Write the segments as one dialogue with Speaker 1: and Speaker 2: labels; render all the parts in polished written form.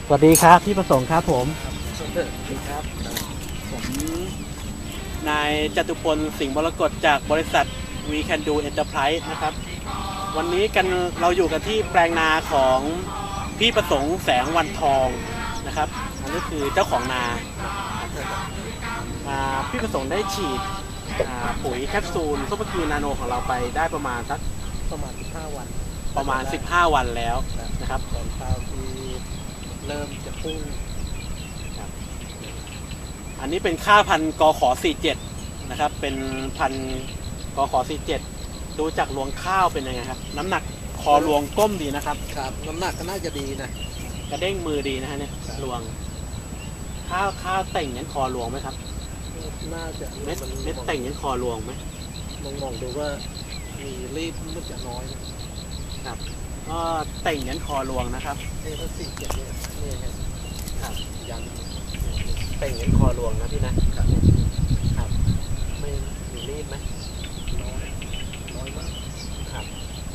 Speaker 1: สวัสดีครับพี่ประสงค์ครับผม
Speaker 2: สวัสดีครับ
Speaker 1: ผมนายจตุพลสิงห์มรกตจากบริษัท We Can Do Enterprise นะครับวันนี้กันเราอยู่กันที่แปลงนาของพี่ประสงค์แสงวันทองนะครับอันนี้คือเจ้าของนาพี่ประสงค์ได้ฉีดปุ๋ยแคปซูลซุปเปอร์กรีนนาโนของเราไปได้ประมาณ
Speaker 2: 15 วัน
Speaker 1: ประมาณ15 วันแล้วนะครับ
Speaker 2: ตอนข้าวที่เริ่มจะพุ่ง
Speaker 1: อันนี้เป็นข้าวพันธุ์กข47นะครับเป็นพันธุ์กข47ดูจากรวงข้าวเป็นยังไงครับน้ำหนักคอรวงก้มดีนะครับ
Speaker 2: ครับน้ำหนักก็น่าจะดีนะ
Speaker 1: กระเด้งมือดีนะฮะเนี่ยรวงข้าวแต่งยันคอรวงไหมครับ
Speaker 2: น่าจะ
Speaker 1: เม็ดแต่งยันคอรวงไหม
Speaker 2: มองดูว่ามีรีบมันจะน้อยนะครับ
Speaker 1: ก็แต่งยันคอรวงนะครับ
Speaker 2: นี่ถ้า47เนี่ยนี่ครับยัน
Speaker 1: แต่งยันคอรวงนะพี่นะครับครับไม่มีรีบไหม
Speaker 2: น้อยมาก
Speaker 1: ครับ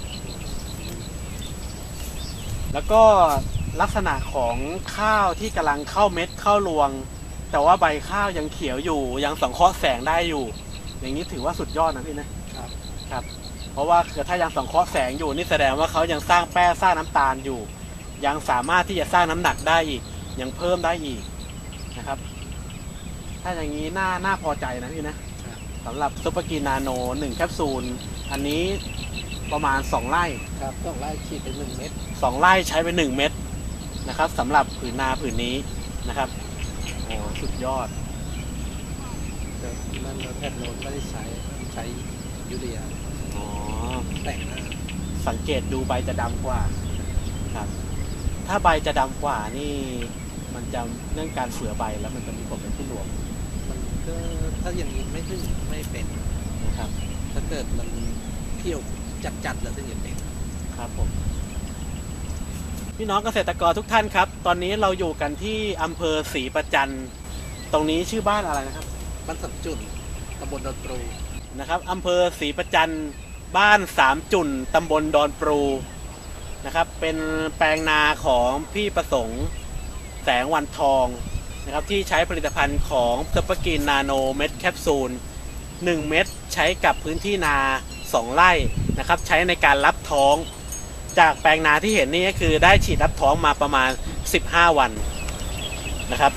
Speaker 1: แล้วก็ลักษณะของข้าวที่กำลังเข้าเม็ดเข้ารวงแต่ว่าใบข้าวยังเขียวอยู่ยังสังเคราะห์แสงได้อยู่อย่างนี้ถือว่าสุดยอดนะพี่นะครับครับเพราะว่าถ้ายังสังเคราะห์แสงอยู่นี่แสดงว่าเขายังสร้างแป้งสร้างน้ำตาลอยู่ยังสามารถที่จะสร้างน้ำหนักได้อีกยังเพิ่มได้อีกนะครับถ้าอย่างนี้น่าพอใจนะพี่นะสำหรับซุปเปอร์กรีนนาโน1แคปซูลอันนี้ประมาณ2 ไร่
Speaker 2: ครับ2 ไร่ฉีดไป1 เม็ด
Speaker 1: 2 ไร่ใช้ไป1 เม็ดนะครับสำหรับผืนนาผืนนี้นะครับโอ้สุดยอด
Speaker 2: แต่นั่นแพทย์โน้นไม่ได้ใช้ยูเรีย
Speaker 1: อ๋อ
Speaker 2: แต่งนะ
Speaker 1: สังเกตดูใบจะดำกว่าครับถ้าใบจะดำกว่านี่มันจะเรื่องการเสือใบแล้วมันจะมีผลเป็นที่รวม
Speaker 2: มันก็ถ้าอย่างนี้ไม่เป็น
Speaker 1: นะครับ
Speaker 2: ถ้าเกิดมันเที่ยวจัดแล้วถึงจะเป็น
Speaker 1: ครับผมพี่น้องเกษตรกรทุกท่านครับตอนนี้เราอยู่กันที่อำเภอศรีประจันตรงนี้ชื่อบ้านอะไรนะครับ
Speaker 2: บ้านสามจุดตำบลดอนปรู
Speaker 1: นะครับอำเภอศรีประจันบ้าน3 จุ่นตำบลดอนปรูนะครับเป็นแปลงนาของพี่ประสงค์แสงวันทองนะครับที่ใช้ผลิตภัณฑ์ของซุปเปอร์กรีนนาโนเม็ดแคปซูล1 เม็ดใช้กับพื้นที่นา2 ไร่นะครับใช้ในการรับท้องจากแปลงนาที่เห็นนี่ก็คือได้ฉีดรับท้องมาประมาณ15 วันนะครับ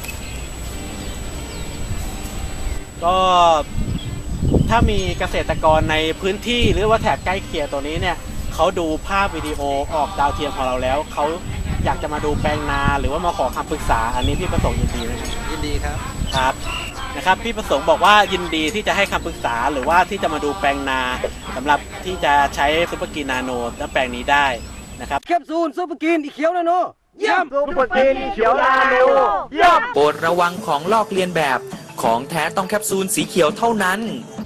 Speaker 1: ก็ถ้ามีเกษตรกรในพื้นที่หรือว่าแถบใกล้เคียงตัวนี้เนี่ยเขาดูภาพวิดีโอออกดาวเทียมของเราแล้วเขาอยากจะมาดูแปลงนาหรือว่ามาขอคำปรึกษาอันนี้พี่ประสงค์ยินดีนะครับ
Speaker 2: ยินดีครับ
Speaker 1: ครับนะครับพี่ประสงค์บอกว่ายินดีที่จะให้คำปรึกษาหรือว่าที่จะมาดูแปลงนาสำหรับที่จะใช้ซุปเปอร์กรีนนาโนและแปลงนี้ได้นะครับ
Speaker 3: แคปซูลซุปเปอร์กรีนอีเขียวนาโน
Speaker 4: เยี่ยมซุปเปอร์กรีนเขียวนาโนเยี่ยม
Speaker 5: โปรดระวังของลอกเลียนแบบของแท้ต้องแคปซูลสีเขียวเท่านั้น